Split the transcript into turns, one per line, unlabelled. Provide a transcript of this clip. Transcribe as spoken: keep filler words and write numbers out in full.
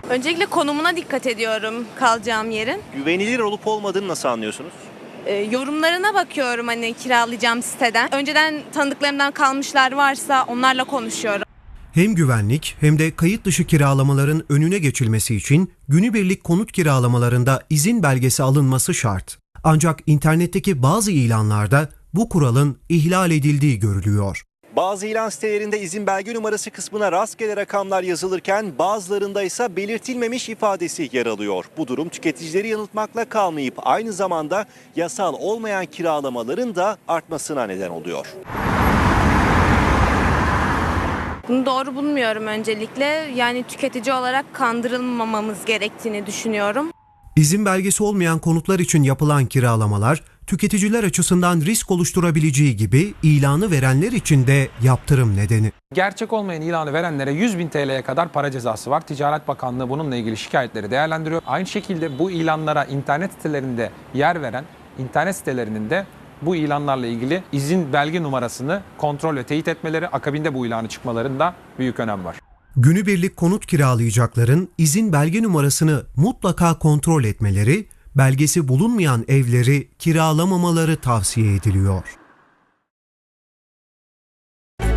Öncelikle konumuna dikkat ediyorum kalacağım yerin.
Güvenilir olup olmadığını nasıl anlıyorsunuz?
Ee, yorumlarına bakıyorum hani kiralayacağım siteden. Önceden tanıdıklarımdan kalmışlar varsa onlarla konuşuyorum.
Hem güvenlik hem de kayıt dışı kiralamaların önüne geçilmesi için günübirlik konut kiralamalarında izin belgesi alınması şart. Ancak internetteki bazı ilanlarda bu kuralın ihlal edildiği görülüyor.
Bazı ilan sitelerinde izin belge numarası kısmına rastgele rakamlar yazılırken bazılarında ise belirtilmemiş ifadesi yer alıyor. Bu durum tüketicileri yanıltmakla kalmayıp aynı zamanda yasal olmayan kiralamaların da artmasına neden oluyor.
Bunu doğru bulmuyorum öncelikle. Yani tüketici olarak kandırılmamamız gerektiğini düşünüyorum.
İzin belgesi olmayan konutlar için yapılan kiralamalar, tüketiciler açısından risk oluşturabileceği gibi ilanı verenler için de yaptırım nedeni.
Gerçek olmayan ilanı verenlere yüz bin T L'ye kadar para cezası var. Ticaret Bakanlığı bununla ilgili şikayetleri değerlendiriyor. Aynı şekilde bu ilanlara internet sitelerinde yer veren internet sitelerinin de bu ilanlarla ilgili izin belge numarasını kontrol ve teyit etmeleri, akabinde bu ilanı çıkmalarında büyük önem var.
Günübirlik konut kiralayacakların izin belge numarasını mutlaka kontrol etmeleri, belgesi bulunmayan evleri kiralamamaları tavsiye ediliyor.